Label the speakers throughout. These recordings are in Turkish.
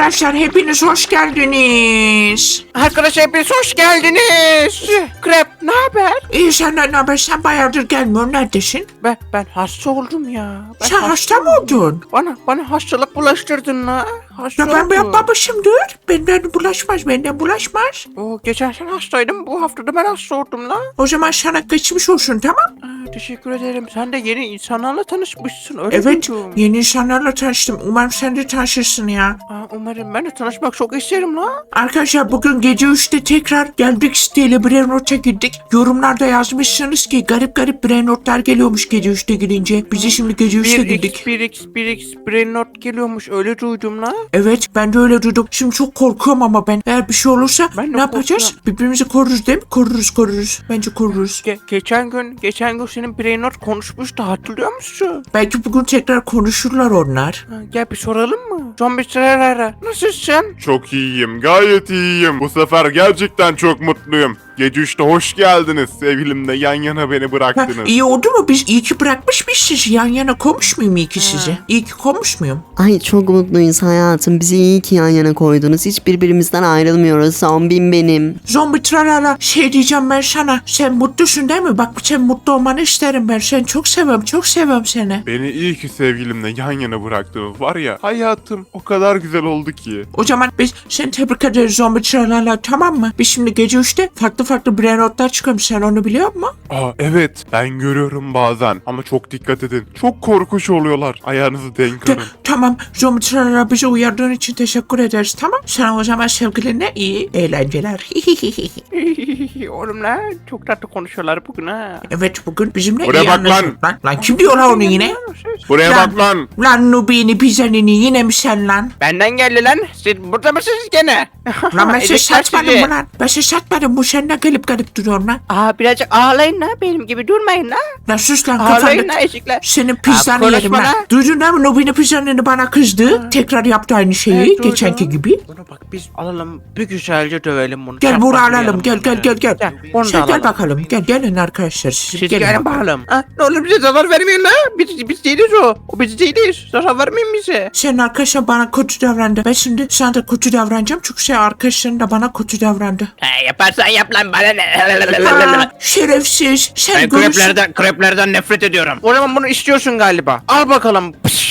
Speaker 1: Arkadaşlar hepiniz hoş geldiniz.
Speaker 2: Arkadaşlar hepiniz hoş geldiniz. Krep ne haber?
Speaker 1: İyi senden ne haber? Sen bayağıdır gelmiyorsun. Neredesin?
Speaker 2: Ben hasta oldum ya.
Speaker 1: Sen hasta mı oldun?
Speaker 2: Bana hastalık bulaştırdın la. Hasta
Speaker 1: Ya ben
Speaker 2: oldum.
Speaker 1: yapmamışımdır. Benden bulaşmaz.
Speaker 2: Geçen sene hastaydım. Bu haftada ben hasta oldum la.
Speaker 1: O zaman sana geçmiş olsun, tamam?
Speaker 2: Teşekkür ederim. Sen de yeni insanlarla tanışmışsın. Öyle
Speaker 1: Evet,
Speaker 2: duydum.
Speaker 1: yeni insanlarla tanıştım. Umarım sen de tanışırsın ya.
Speaker 2: Umarım ben de tanışmak çok isterim la.
Speaker 1: Arkadaşlar bugün gece 3'te tekrar geldik, siteyle Brainrot'a girdik. Yorumlarda yazmışsınız ki garip Brainrot'lar geliyormuş gece 3'te girince. Biz de şimdi gece 3'te girdik.
Speaker 2: 1x Brain Not geliyormuş. Öyle duydum la.
Speaker 1: Evet, ben de öyle duydum. Şimdi çok korkuyorum ama ben. Eğer bir şey olursa
Speaker 2: Ben de
Speaker 1: ne yapacağız?
Speaker 2: korkuyorum.
Speaker 1: Birbirimizi koruruz değil mi? Koruruz. Bence koruruz.
Speaker 2: Geçen gün senin Brain Not konuşmuştu. Hatırlıyor musun?
Speaker 1: Belki bugün tekrar konuşurlar onlar.
Speaker 2: Gel bir soralım mı? Zombi Trerara. Nasılsın?
Speaker 3: Çok iyiyim, gayet iyiyim. Bu sefer gerçekten çok mutluyum. Gece 3'te hoş geldiniz. Sevgilimle yan yana beni
Speaker 1: Ha,
Speaker 3: bıraktınız.
Speaker 1: iyi oldu mu? Biz iyi ki bırakmışız. Yan yana koymuş muyum iyi ki sizi? İyi ki koymuş muyum?
Speaker 4: Ay çok mutluyuz hayatım. Bizi iyi ki yan yana koydunuz. Hiç birbirimizden ayrılmıyoruz. Zombim benim.
Speaker 1: Zombi tralala şey diyeceğim ben sana. Sen mutlusun değil mi? Bak sen mutlu olmanı isterim ben. Seni çok seviyorum seni.
Speaker 3: Beni iyi ki sevgilimle yan yana bıraktınız. Var ya, hayatım o kadar güzel oldu ki.
Speaker 1: O zaman biz seni tebrik ederiz zombi tralala, tamam mı? Biz şimdi gece 3'te farklı brainrotlar çıkıyormuş. Sen onu biliyor musun?
Speaker 3: Evet, ben görüyorum bazen ama çok dikkat edin. Çok korkunç oluyorlar. Ayağınızı denk alın.
Speaker 1: Tamam zombi tralala, bizi uyardığın için teşekkür ederiz, tamam? Sana o zaman sevgilinle iyi eğlenceler.
Speaker 2: Oğlum lan çok tatlı konuşuyorlar bugün ha.
Speaker 1: Evet, bugün bizimle
Speaker 3: Buraya
Speaker 1: iyi
Speaker 3: bak
Speaker 1: anlaşıldı. Lan kim diyor lan onu yine?
Speaker 3: Buraya
Speaker 1: Lan.
Speaker 3: bak lan.
Speaker 1: Lan Nubini pizzanini yine mi sen lan?
Speaker 2: Benden geldi lan. Siz burada mısınız gene?
Speaker 1: Lan ben size
Speaker 2: Ezikler
Speaker 1: satmadım
Speaker 2: sizi.
Speaker 1: mı lan? Ben size satmadım, bu sen ne gelip duruyorsun lan?
Speaker 2: Birazcık ağlayın la. Benim gibi durmayın la.
Speaker 1: Lan sus lan
Speaker 2: Ağlayın
Speaker 1: kafanı.
Speaker 2: la ezikler.
Speaker 1: Senin pizzanı
Speaker 2: konuşma
Speaker 1: yerim lan.
Speaker 2: lan.
Speaker 1: Duydun değil mi? Nubini pizzanini bana kızdı. Tekrar yaptı aynı şeyi.
Speaker 2: Evet, duydum.
Speaker 1: Geçenki gibi.
Speaker 2: Bunu bak biz alalım bir güzelce dövelim bunu.
Speaker 1: Gel buraya
Speaker 2: Çarpmak
Speaker 1: alalım. Gel.
Speaker 2: Onu da
Speaker 1: Sen gel
Speaker 2: alalım.
Speaker 1: bakalım. Gelin arkadaşlar. Siz
Speaker 2: Siz
Speaker 1: gelin
Speaker 2: gelin
Speaker 1: bakalım.
Speaker 2: bakalım. Ne olur bize zarar vermeyin la. Biz değiliz o. O biz değiliz. Zarar vermeyin bize.
Speaker 1: Senin arkadaşın bana kötü davrandı. Ben şimdi sana da kötü davranacağım. Çünkü senin arkadaşların da bana kötü davrandı.
Speaker 2: Yaparsan yap lan bana ne.
Speaker 1: Şerefsiz. Sen
Speaker 2: Ben
Speaker 1: görürsün.
Speaker 2: kreplerden nefret ediyorum. O zaman bunu istiyorsun galiba. Al bakalım.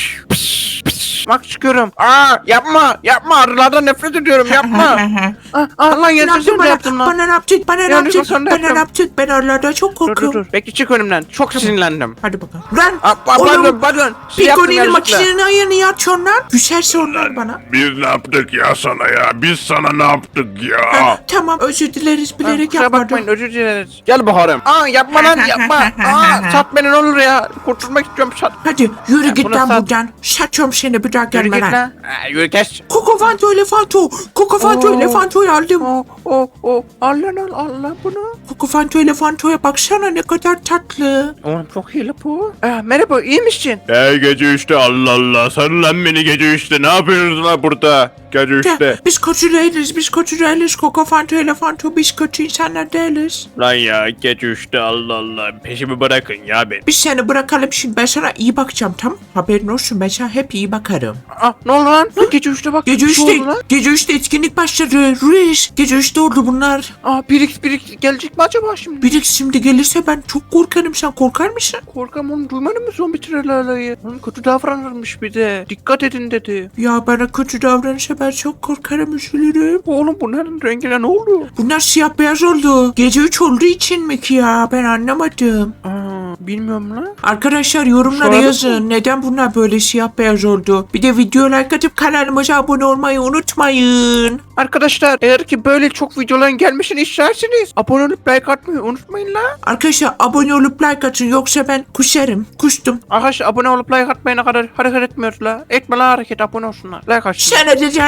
Speaker 2: Bak çıkıyorum. Yapma arılardan nefret ediyorum yapma. Lan
Speaker 1: Ne
Speaker 2: yanlış
Speaker 1: yaptın
Speaker 2: sen de
Speaker 1: bana?
Speaker 2: yaptın lan.
Speaker 1: Bana ne yaptın?
Speaker 2: Yanlış sen de yaptın.
Speaker 1: Ben oralarda çok korkuyorum.
Speaker 2: Dur. Peki çık önümden. Çok sinirlendim.
Speaker 1: Hadi bakalım. Lan
Speaker 2: Pardon. Siz yaptın
Speaker 1: Pico'nun
Speaker 2: yanlışlıkla.
Speaker 1: makinenin ayağını açıyorsun lan. Güzelse onlar bana.
Speaker 3: Biz ne yaptık ya sana ya? Biz sana ne yaptık ya?
Speaker 1: Tamam, özür dileriz, bilerek
Speaker 2: Kusura bakmayın
Speaker 1: yapmadım.
Speaker 2: özür dileriz. Gel baharım. Yapma lan yapma. Sat beni ne olur ya. Kurtulmak istiyorum sat.
Speaker 1: Hadi yürü git
Speaker 2: bunu
Speaker 1: lan
Speaker 2: sat.
Speaker 1: buradan. Saçıyorum seni, bir daha
Speaker 2: Yürü
Speaker 1: gelme
Speaker 2: git
Speaker 1: lan.
Speaker 2: lan. Yürü kes.
Speaker 1: Kokofanto elefantoyu aldım.
Speaker 2: Al lan bunu.
Speaker 1: Kokofantoya baksana, ne kadar tatlı.
Speaker 2: Oğlum çok iyi la bu. Merhaba iyi misin?
Speaker 3: Gece 3'te Allah Allah. Sen lan beni gece 3'te ne yapıyorsunuz lan burada? Gece 3'te.
Speaker 1: Biz kötü değiliz. Kokofanto elefanto, biz kötü insanlar değiliz.
Speaker 3: Lan ya gece 3'te Allah Allah. Peşimi bırakın ya beni.
Speaker 1: Biz seni bırakalım şimdi, ben sana iyi bakacağım, tamam? Haberin olsun, ben sana hep iyi bakarım.
Speaker 2: Ne oldu lan? Gece 3'te bak.
Speaker 1: Gece
Speaker 2: bir şey oldu lan.
Speaker 1: 3'te etkinlik başladı. Ruiz, gece 3'te oldu bunlar.
Speaker 2: Birix gelecek mi acaba şimdi?
Speaker 1: Biri şimdi gelirse ben çok korkarım, sen korkar mısın?
Speaker 2: Korkam onu duymadın mı zombi trelalayı? Onun kötü davranırmış bir de. Dikkat edin dedi.
Speaker 1: Ya bana kötü davranırsa ben çok korkarım, üzülürüm.
Speaker 2: Oğlum bunların rengine ne oldu?
Speaker 1: Bunlar siyah beyaz oldu. Gece 3 olduğu için mi ki ya? Ben anlamadım.
Speaker 2: Bilmiyorum lan.
Speaker 1: Arkadaşlar yorumlara
Speaker 2: Soralım
Speaker 1: yazın. Neden bunlar böyle siyah beyaz oldu? Bir de video like atıp kanalımıza abone olmayı unutmayın.
Speaker 2: Arkadaşlar eğer ki böyle çok videoların gelmesini isterseniz abone olup like atmayı unutmayın la.
Speaker 1: Arkadaşlar abone olup like atın, yoksa ben kustum.
Speaker 2: Arkadaşlar abone olup like atmayana kadar hareket etmiyoruz la. Etme la hareket abone olsunlar. Like atsın.
Speaker 1: Sen edeceksin.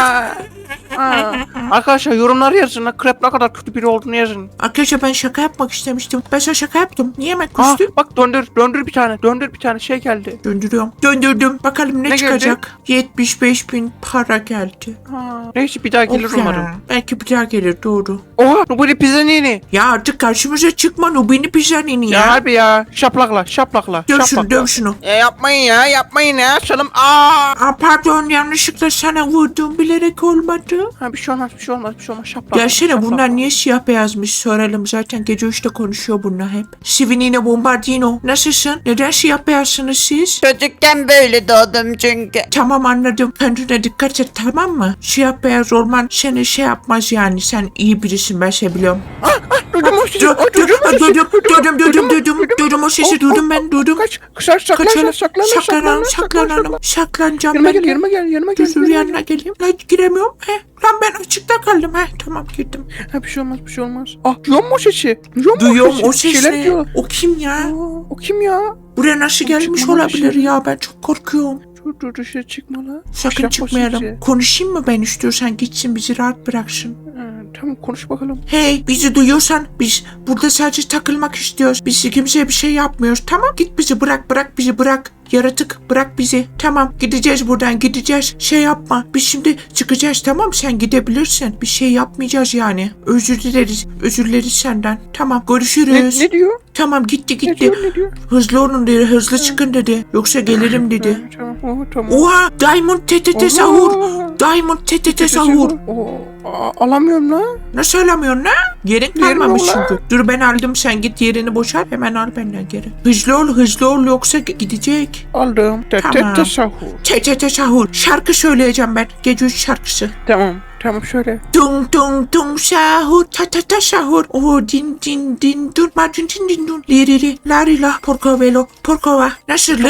Speaker 2: Arkadaşlar yorumları yazın la. Krep ne kadar kötü biri olduğunu yazın.
Speaker 1: Arkadaşlar ben şaka yapmak istemiştim. Ben sana şaka yaptım. Niye hemen kustum?
Speaker 2: Bak döndür bir tane şey geldi.
Speaker 1: Döndürüyorum. Döndürdüm. Bakalım ne
Speaker 2: Ne
Speaker 1: çıkacak? 75.000 para geldi.
Speaker 2: Neyse bir daha gelir
Speaker 1: Of ya,
Speaker 2: umarım.
Speaker 1: belki bir daha gelir, doğru.
Speaker 2: Oha Nubini Pizzanini.
Speaker 1: Ya artık karşımıza çıkma Nubini Pizzanini
Speaker 2: Ya
Speaker 1: ya.
Speaker 2: harbi ya. Şaplakla.
Speaker 1: Döv şunu döv şunu.
Speaker 2: Yapmayın ya. Canım. Aa.
Speaker 1: Pardon yanlışlıkla sana vurdum bilerek olmadı.
Speaker 2: Ha, bir şey olmaz. Şaplak.
Speaker 1: Gelsene bunlar niye siyah beyazmış soralım. Zaten gece 3'te konuşuyor bunlar hep. Sivinine Bombardino. Nasılsın? Neden siyah beyazsınız siz?
Speaker 5: Çocukken böyle doğdum çünkü.
Speaker 1: Tamam anladım. Kendine dikkat et tamam mı? Siyah beyaz olman seni şey yapmaz yani. Sen iyi birisin ben şey biliyorum.
Speaker 2: Duydum o sesi.
Speaker 1: Duydum o sesi duydum ben duydum.
Speaker 2: Kaç.
Speaker 1: Saklanalım. Saklanacağım
Speaker 2: Yanıma
Speaker 1: ben.
Speaker 2: gel.
Speaker 1: Dur yanına geleyim. Lan giremiyorum. Lan ben açıkta kaldım. Tamam girdim.
Speaker 2: Ha, bir şey olmaz. Ah duyuyor musun o sesi?
Speaker 1: Duyuyorum o
Speaker 2: Bir şeyler
Speaker 1: sesi.
Speaker 2: diyor.
Speaker 1: O kim ya?
Speaker 2: Aa, o kim ya?
Speaker 1: Buraya nasıl gelmiş
Speaker 2: çıkmamış.
Speaker 1: olabilir ya? Ben çok korkuyorum.
Speaker 2: Dur dışarı çıkma la.
Speaker 1: Sakın
Speaker 2: Yapma
Speaker 1: çıkmayalım.
Speaker 2: sesi.
Speaker 1: Konuşayım mı ben istiyorsan gitsin bizi rahat bıraksın.
Speaker 2: Ha, tamam konuş bakalım.
Speaker 1: Hey bizi duyuyorsan biz burada sadece takılmak istiyoruz. Biz kimseye bir şey yapmıyoruz. Tamam git bizi bırak bizi bırak. Yaratık bırak bizi. Tamam gideceğiz buradan gideceğiz. Şey yapma. Biz şimdi çıkacağız tamam sen gidebilirsin. Bir şey yapmayacağız yani. Özür dileriz senden. Tamam görüşürüz.
Speaker 2: Ne diyor?
Speaker 1: Tamam gitti.
Speaker 2: Ne diyor?
Speaker 1: Hızlı olun dedi. Hızlı çıkın dedi. Yoksa gelirim dedi.
Speaker 2: Tamam.
Speaker 1: Oha Diamond TTT sahur. Diamond TTT sahur.
Speaker 2: Alamıyorum la.
Speaker 1: Nasıl alamıyorsun lan? Yerin
Speaker 2: Yerim
Speaker 1: kalmamış
Speaker 2: yok lan.
Speaker 1: çünkü. Dur ben aldım sen git yerini boşalt hemen al benden geri. Hızlı ol yoksa gidecek.
Speaker 2: Aldım.
Speaker 1: Tamam.
Speaker 2: Tesahur.
Speaker 1: TTT sahur. Şarkı söyleyeceğim ben. Gece 3 şarkısı.
Speaker 2: Tamam şöyle.
Speaker 1: Tung tung tung sahur. Ta sahur. Oh din din dun. Ma din dun. Liriri. Larila. Porkova. Nasıl?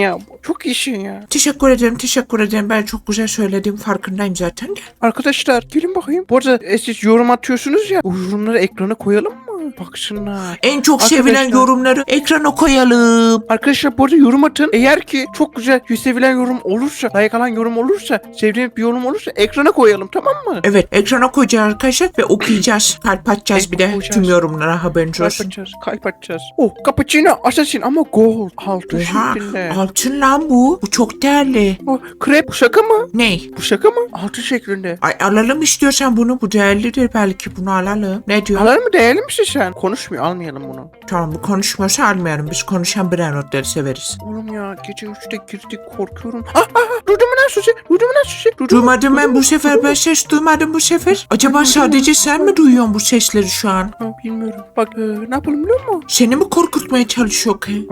Speaker 2: Çok iyisin ya.
Speaker 1: Teşekkür ederim. Ben çok güzel söyledim. Farkındayım zaten de.
Speaker 2: Arkadaşlar gelin bakayım. Bu arada siz yorum atıyorsunuz ya. Bu yorumları ekrana koyalım mı? Baksınlar.
Speaker 1: En çok
Speaker 2: Arkadaşlar-
Speaker 1: sevilen yorumları ekrana koyalım.
Speaker 2: Arkadaşlar bu arada yorum atın. Eğer ki çok güzel sevilen yorum olursa, like alan yorum olursa, sevdiğiniz bir yorum olursa ekrana koyalım tamam mı?
Speaker 1: Evet ekrana koyacağız arkadaşlar ve okuyacağız. Kalp atacağız bir de
Speaker 2: Okuyacağız.
Speaker 1: tüm yorumlara haberiniz olsun.
Speaker 2: Kalp atacağız. Oh, cappuccino, assassin ama gold. Altı
Speaker 1: Oha
Speaker 2: şeklinde.
Speaker 1: altın lan bu. Bu çok değerli.
Speaker 2: Oh, krep, bu şaka mı?
Speaker 1: Ney?
Speaker 2: Bu şaka mı? Altı şeklinde.
Speaker 1: Ay alalım istiyorsan bunu. Bu değerlidir belki bunu alalım. Ne diyor?
Speaker 2: Alalım mı değerli misin sen? Konuşmuyor almayalım bunu.
Speaker 1: Tamam bu konuşmuyorsa almayalım. Biz konuşan birer notları severiz.
Speaker 2: Oğlum ya gece 3'te girdik korkuyorum. Duydun mu lan Suzi?
Speaker 1: Duymadım ben bu sefer. Ben ses duymadım bu sefer. Acaba sadece sen mi duyuyorsun bu sesleri şu an?
Speaker 2: Ha, bilmiyorum. Bak ne yapalım biliyor musun?
Speaker 1: Seni mi korkutmaya çalışıyor ki?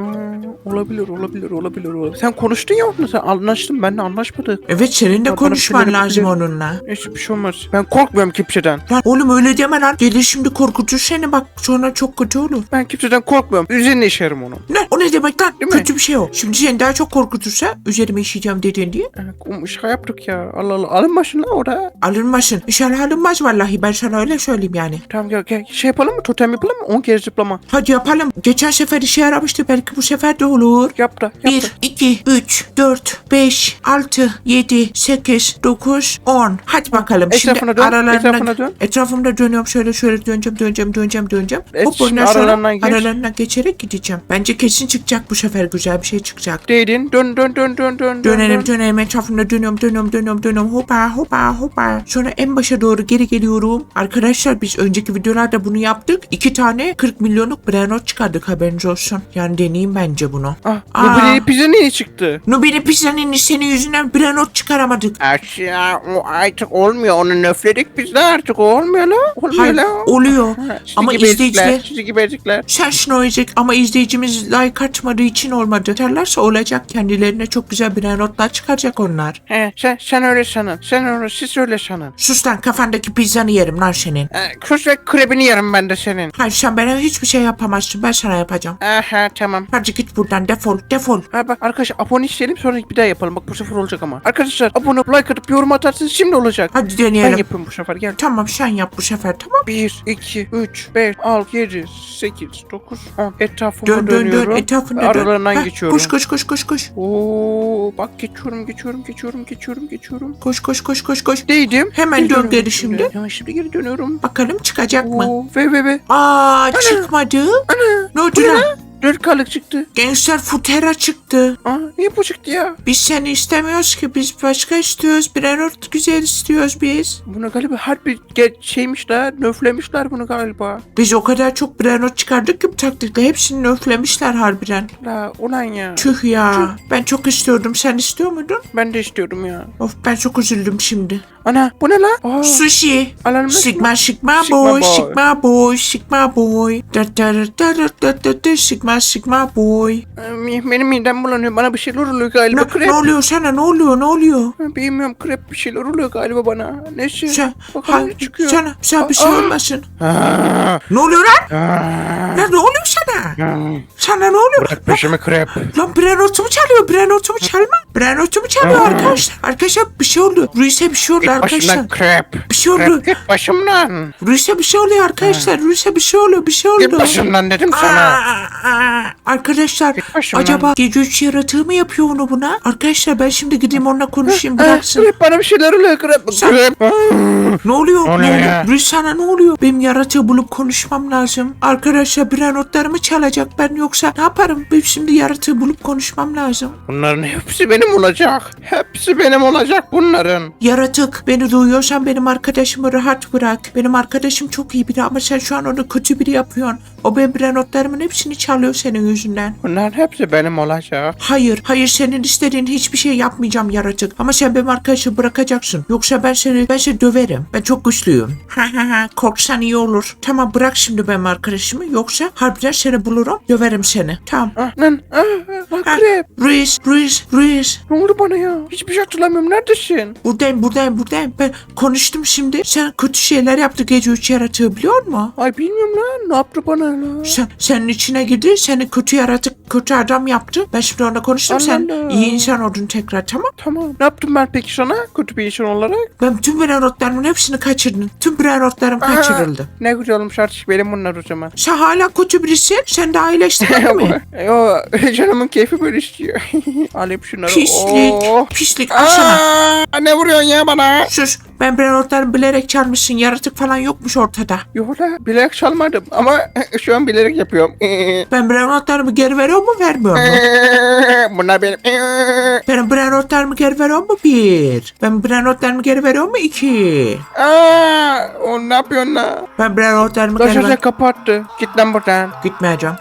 Speaker 2: Olabilir. Sen konuştun ya onunla sen anlaştın benimle anlaşmadık.
Speaker 1: Evet senin de
Speaker 2: bana
Speaker 1: konuşman
Speaker 2: şeyler
Speaker 1: lazım
Speaker 2: yapabilir.
Speaker 1: onunla.
Speaker 2: Neyse bir şey olmaz. Ben korkmuyorum kimseden.
Speaker 1: Lan oğlum öyle deme lan. Gelir şimdi korkutur seni bak sonra çok kötü olur.
Speaker 2: Ben kimseden korkmuyorum. Üzerine işerim onu.
Speaker 1: Ne? O ne demek lan?
Speaker 2: Değil mi?
Speaker 1: Kötü bir şey o. Şimdi seni daha çok korkutursa üzerime işeyeceğim dedin diye.
Speaker 2: Şaka yaptık ya. Allah Allah. Alınmasın lan orada.
Speaker 1: Alınmasın. İnşallah alınmaz vallahi. Ben sana öyle söyleyeyim yani.
Speaker 2: Tamam gel. Şey yapalım mı? Totem yapalım mı? 10 kere zıplama.
Speaker 1: Hadi yapalım. Geçen sefer işe yaramıştı. Belki bu sefer de olur.
Speaker 2: Yap da.
Speaker 1: 1, 2, 3, 4, 5, 6, 7, 8, 9, 10. Hadi bakalım.
Speaker 2: Etrafına dön, etrafına dön.
Speaker 1: Etrafımda dönüyorum. Şöyle döneceğim.
Speaker 2: Evet,
Speaker 1: Hop
Speaker 2: şimdi
Speaker 1: ondan sonra
Speaker 2: aralarından geç.
Speaker 1: aralarından geçerek gideceğim. Bence kesin çıkacak bu sefer. Güzel bir şey çıkacak.
Speaker 2: Değdin. Dön.
Speaker 1: Dönelim etrafımda dönüyorum hoppa. Sonra en başa doğru geri geliyorum. Arkadaşlar biz önceki videolarda bunu yaptık. 2 tane 40 milyonluk brainrot çıkardık haberiniz olsun. Yani deneyeyim bence bunu.
Speaker 2: Bu pizza niye çıktı?
Speaker 1: Nubini pizzanın senin yüzünden brainrot çıkaramadık.
Speaker 2: Artık olmuyor. Onu nöfledik biz de artık olmuyor la.
Speaker 1: Hayır oluyor. Ama izleyiciler
Speaker 2: Sizi gibi ezikler.
Speaker 1: sen şunu oyacak ama izleyicimiz like atmadığı için olmadı. Derlerse olacak kendilerine çok güzel brainrotlar çıkaracak onlar.
Speaker 2: He, sen öyle sanın. Siz öyle sanın.
Speaker 1: Sus lan kafandaki pizzanı yerim lan senin.
Speaker 2: Kus ve krebini yerim ben de senin.
Speaker 1: Hayır sen bana hiçbir şey yapamazsın ben sana yapacağım.
Speaker 2: Aha tamam.
Speaker 1: Hadi git buradan defol.
Speaker 2: Ha bak arkadaşlar abone isteyelim sonra bir daha yapalım. Bak bu sefer olacak ama. Arkadaşlar abone olup like atıp yorum atarsınız şimdi olacak.
Speaker 1: Hadi
Speaker 2: Ben
Speaker 1: deneyelim.
Speaker 2: yapayım bu sefer gel.
Speaker 1: Tamam sen yap bu sefer tamam.
Speaker 2: 1, 2, 3, 5, 6, 7, 8, 9, 10. Etrafıma
Speaker 1: Dön
Speaker 2: dönüyorum.
Speaker 1: etrafında dön.
Speaker 2: Aralarından
Speaker 1: Heh,
Speaker 2: geçiyorum.
Speaker 1: Koş.
Speaker 2: Oo, bak geçiyorum.
Speaker 1: Koş.
Speaker 2: Değdim.
Speaker 1: Hemen
Speaker 2: Geri
Speaker 1: dön
Speaker 2: dönüyorum
Speaker 1: geri şimdi.
Speaker 2: Hemen şimdi geri dönüyorum.
Speaker 1: Bakalım çıkacak mı?
Speaker 2: Oo, ve.
Speaker 1: Aa çıkmadı. Ne oldu lan?
Speaker 2: 4K'lık çıktı.
Speaker 1: Gangster Futera çıktı.
Speaker 2: Aa, niye bu çıktı ya?
Speaker 1: Biz seni istemiyoruz ki. Biz başka istiyoruz. Brennert güzel istiyoruz biz.
Speaker 2: Bunu galiba harbi şeymişler, nöflemişler bunu galiba.
Speaker 1: Biz o kadar çok Brennert çıkardık ki bu taktikle. Hepsini nöflemişler harbiden.
Speaker 2: La ulan ya.
Speaker 1: Tüh ya. Ben çok istiyordum. Sen istiyor muydun?
Speaker 2: Ben de istiyorum ya.
Speaker 1: Of ben çok üzüldüm şimdi.
Speaker 2: Ana bu ne la? Aa,
Speaker 1: Sushi.
Speaker 2: alalım
Speaker 1: Sigma
Speaker 2: Sigma
Speaker 1: boy,
Speaker 2: boy.
Speaker 1: Sigma boy, Sigma boy. Da da da da da da da Sigma boy.
Speaker 2: Benim midem bulanıyor. Bana bir şeyler oluyor galiba.
Speaker 1: Ne
Speaker 2: Krep.
Speaker 1: oluyor sana? Ne oluyor? Ne oluyor?
Speaker 2: Bilmiyorum krep bir şeyler oluyor galiba bana. Neyse.
Speaker 1: Sen,
Speaker 2: Bakalım ne çıkıyor.
Speaker 1: sana bir şey
Speaker 2: Aa.
Speaker 1: olmasın.
Speaker 2: Aa,
Speaker 1: Ne oluyor lan?
Speaker 2: aa,
Speaker 1: Lan ne oluyor sana?
Speaker 2: aa.
Speaker 1: Sana ne oluyor?
Speaker 2: Bırak peşimi krep.
Speaker 1: Lan Brennot'umu çalıyor. Brennot'umu çalma. Brennot'umu çalıyor arkadaşlar. Arkadaşlar bir şey oldu. Ruiz'e bir şey oldu arkadaşlar.
Speaker 2: Başımdan krep.
Speaker 1: Bir şey oldu.
Speaker 2: Krep git başımdan.
Speaker 1: Ruiz'e bir şey oluyor arkadaşlar. Ruiz'e bir şey oluyor. Bir şey
Speaker 2: Git
Speaker 1: oldu.
Speaker 2: başımdan dedim sana.
Speaker 1: Arkadaşlar
Speaker 2: Git başımdan.
Speaker 1: acaba gece 3 yaratığı mı yapıyor onu buna? Arkadaşlar ben şimdi gideyim onunla konuşayım bıraksın.
Speaker 2: Krep bana bir şeyler oluyor krep.
Speaker 1: Sen-
Speaker 2: Krep.
Speaker 1: Ne oluyor?
Speaker 2: Ne oluyor ya?
Speaker 1: Ruiz sana ne oluyor? Benim yaratığı bulup konuşmam lazım. Arkadaşlar Brennot'larımı çalacak ben yoksa ne yaparım? Ben şimdi yaratığı bulup konuşmam lazım.
Speaker 2: Bunların hepsi benim olacak. Hepsi benim olacak bunların.
Speaker 1: Yaratık beni duyuyorsan benim arkadaşımı rahat bırak. Benim arkadaşım çok iyi biri ama sen şu an onu kötü biri yapıyorsun. O benim Brennot'larımın hepsini çalıyor senin yüzünden.
Speaker 2: Bunların hepsi benim olacak.
Speaker 1: Hayır senin istediğin hiçbir şey yapmayacağım yaratık. Ama sen benim arkadaşımı bırakacaksın. Yoksa ben seni döverim. Ben çok güçlüyüm. Korksan iyi olur. Tamam bırak şimdi benim arkadaşımı. Yoksa harbiden seni bulurum. Döverim seni. Tamam.
Speaker 2: Lan krep.
Speaker 1: Ruiz.
Speaker 2: Ne oldu bana ya? Hiçbir şey hatırlamıyorum. Neredesin?
Speaker 1: Buradayım. Ben konuştum şimdi. Sen kötü şeyler yaptı gece 3 yaratığı biliyor musun?
Speaker 2: Ay bilmiyorum lan. Ne yaptı bana lan?
Speaker 1: Senin içine girdi. Seni kötü yaratık, kötü adam yaptı. Ben şimdi onunla konuştum. Sen
Speaker 2: Allah.
Speaker 1: iyi insan oldun tekrar tamam.
Speaker 2: Tamam. Ne yaptım ben peki sana? Kötü bir insan olarak.
Speaker 1: Ben tüm Brennot'larımın hepsini kaçırdım. Tüm Brennot'larım kaçırıldı.
Speaker 2: Ne güzel olmuş artık benim bunlar o zaman.
Speaker 1: Sen hala kötü birisin. Sen de iyileştirdin mi?
Speaker 2: Yo canımın keyfi böyle istiyor. Alayım şunları.
Speaker 1: Pislik.
Speaker 2: Oh.
Speaker 1: Pislik. Al sana.
Speaker 2: Ne vuruyorsun ya bana?
Speaker 1: Sus. Ben Brennot'larımı bilerek çalmışsın. Yaratık falan yokmuş ortada.
Speaker 2: Yok la bilerek çalmadım ama şu an bilerek yapıyorum.
Speaker 1: Ben Brennot'larımı geri veriyor mu vermiyor mu?
Speaker 2: Bunlar benim.
Speaker 1: Ben Brennot'larımı geri veriyor mu? 1. Ben Brennot'larımı geri veriyor mu? 2.
Speaker 2: O ne yapıyorsun la?
Speaker 1: Ben Brennot'larımı geri
Speaker 2: Taşacak
Speaker 1: ver.
Speaker 2: kapattı. Git lan buradan.
Speaker 1: Gitmeyeceğim.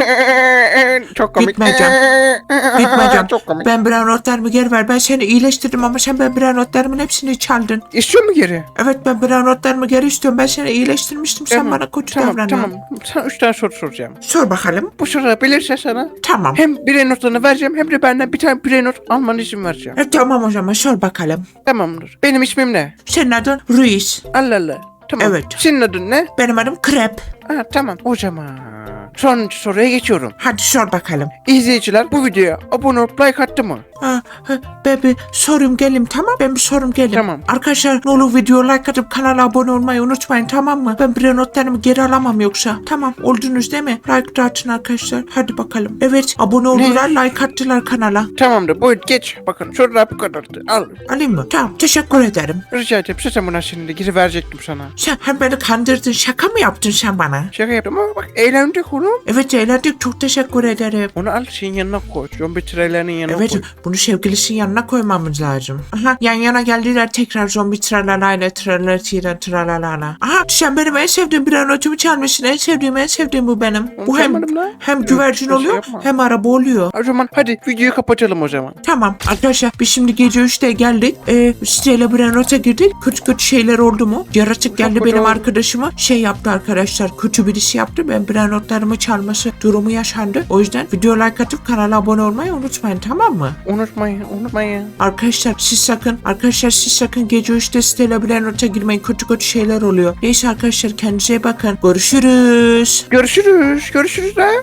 Speaker 2: Çok komik.
Speaker 1: Gitmeyeceğim. Gitmeyeceğim.
Speaker 2: Çok komik.
Speaker 1: Ben Brennot'larımı geri ver. Ben seni iyileştirdim ama sen ben Brennot'larımın hepsini çaldın.
Speaker 2: İstiyor mu geri?
Speaker 1: Evet ben Brennot'larımı geri istiyorum. Ben seni iyileştirmiştim. Sen bana kötü davranıyorsun.
Speaker 2: Tamam. Sana 3 tane soru soracağım.
Speaker 1: Sor bakalım.
Speaker 2: Bu soruları bilirse sana
Speaker 1: Tamam.
Speaker 2: hem birey notlarını vereceğim hem de benden bir tane birey not almanı izin vereceğim.
Speaker 1: Tamam o zaman sor bakalım.
Speaker 2: Tamamdır. Benim ismim ne?
Speaker 1: Senin adın Ruiz.
Speaker 2: Allah Allah. Tamam.
Speaker 1: Evet.
Speaker 2: Senin adın ne?
Speaker 1: Benim adım Krep.
Speaker 2: Ha, tamam. O zaman sonuncu soruya geçiyorum.
Speaker 1: Hadi sor bakalım.
Speaker 2: İzleyiciler bu videoya abone olup like attı mı?
Speaker 1: Ben bir sorum gelim tamam. Ben bir sorum gelim.
Speaker 2: Tamam.
Speaker 1: Arkadaşlar ne olur video like atıp kanala abone olmayı unutmayın tamam mı? Ben bir notlarımı geri alamam yoksa. Tamam oldunuz değil mi? Like de atın arkadaşlar. Hadi bakalım. Evet abone oldular like attılar kanala.
Speaker 2: Tamamdır. Buyur geç. Bakın sorular bu kadardı. Al.
Speaker 1: Alayım mı? Tamam teşekkür ederim.
Speaker 2: Rica ederim. Zaten buna şimdi geri verecektim sana.
Speaker 1: Sen hem beni kandırdın şaka mı yaptın sen bana?
Speaker 2: Şaka yaptım ama bak eğlendik oğlum.
Speaker 1: Evet eğlendik çok teşekkür ederim.
Speaker 2: Onu al senin yanına koy. Zombi trailerinin yanına
Speaker 1: Evet
Speaker 2: koy.
Speaker 1: bunu sevgilisinin yanına koymamız lazım. Aha yan yana geldiler tekrar zombi tralalala tralalala. Aha sen benim en sevdiğim bir anotumu çalmışsın. En sevdiğim bu benim. Bu hem
Speaker 2: çalmadım lan.
Speaker 1: güvercin
Speaker 2: Öyle
Speaker 1: oluyor
Speaker 2: yapma.
Speaker 1: hem araba oluyor.
Speaker 2: O zaman hadi videoyu kapatalım o zaman.
Speaker 1: Tamam arkadaşlar biz şimdi gece 3'te geldik. Siteyle Brennot'a girdik. Kötü şeyler oldu mu? Yaratık geldi
Speaker 2: Çok
Speaker 1: benim
Speaker 2: kötü oldu.
Speaker 1: arkadaşıma şey yaptı arkadaşlar. Kötü birisi yaptı. Ben Brennot'larımı çalması durumu yaşandı. O yüzden video like atıp kanala abone olmayı unutmayın tamam mı?
Speaker 2: Unutmayın.
Speaker 1: Arkadaşlar siz sakın gece 3'te siteyle Brennot'a girmeyin. Kötü şeyler oluyor. Neyse arkadaşlar kendinize iyi bakın. Görüşürüz.
Speaker 2: Görüşürüz. Görüşürüz lan.